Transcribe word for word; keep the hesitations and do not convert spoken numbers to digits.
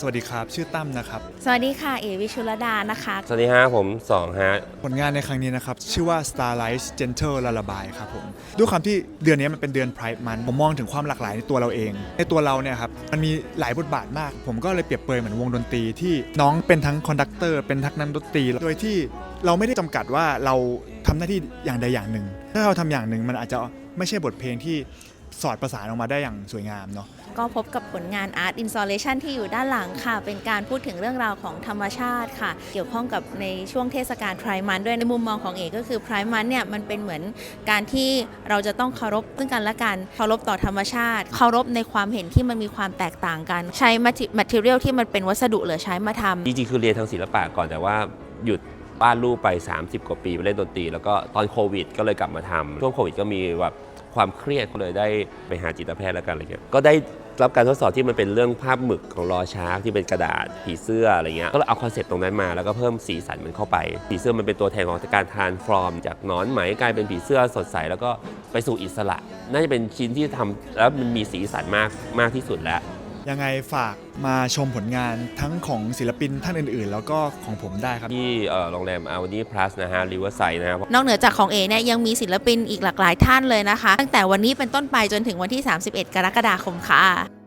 สวัสดีครับชื่อตั้มนะครับสวัสดีค่ะเอวิชุลดานะคะสวัสดีฮะผมสองฮะผลงานในครั้งนี้นะครับชื่อว่า Starlight Gentle Lullaby ครับผมด้วยความที่เดือนนี้มันเป็นเดือน Pride Month ผมมองถึงความหลากหลายในตัวเราเองในตัวเราเนี่ยครับมันมีหลายบทบาทมากผมก็เลยเปรียบเปรยเหมือนวงดนตรีที่น้องเป็นทั้งคอนดักเตอร์เป็นทั้งนักดนตรีโดยที่เราไม่ได้จำกัดว่าเราทำหน้าที่อย่างใดอย่างหนึ่งถ้าเราทำอย่างหนึ่งมันอาจจะไม่ใช่บทเพลงที่สอดประสานออกมาได้อย่างสวยงามเนาะก็พบกับผลงาน Art Installation ที่อยู่ด้านหลังค่ะเป็นการพูดถึงเรื่องราวของธรรมชาติค่ะเกี่ยวข้องกับในช่วงเทศกาล Pride Month ด้วยในมุมมองของเอกก็คือ Pride Month เนี่ยมันเป็นเหมือนการที่เราจะต้องเคารพซึ่งกันและกันเคารพต่อธรรมชาติเคารพในความเห็นที่มันมีความแตกต่างกันใช้ material ที่มันเป็นวัสดุเหลือใช้มาทำจริงๆคือเรียนทางศิลปะก่อนแต่ว่าหยุดบ้านลูกไปสามสิบกว่าปีไปเล่นดนตรีแล้วก็ตอนโควิดก็เลยกลับมาทำช่วงโควิดก็มีแบบความเครียดก็เลยได้ไปหาจิตแพทย์แล้วกันอะไรเงี้ยก็ได้รับการทดสอบที่มันเป็นเรื่องภาพหมึกของรอชาร์กที่เป็นกระดาษผีเสื้ออะไรเงี้ยก็เลยเอาคอนเซ็ปต์ตรงนั้นมาแล้วก็เพิ่มสีสันมันเข้าไปผีเสื้อมันเป็นตัวแทนของการทรานส์ฟอร์มจากหนอนไหมกลายเป็นผีเสื้อสดใสแล้วก็ไปสู่อิสระน่าจะเป็นชิ้นที่ทำแล้วมันมีสีสันมากมากที่สุดแล้วยังไงฝากมาชมผลงานทั้งของศิลปินท่านอื่นๆแล้วก็ของผมได้ครับที่โรงแรม Audi Plus นะฮะ Riverside นะครับนอกเหนือจากของเอเนี่ยยังมีศิลปินอีกหลากหลายท่านเลยนะคะตั้งแต่วันนี้เป็นต้นไปจนถึงวันที่สามสิบเอ็ดกรกฎาคมค่ะ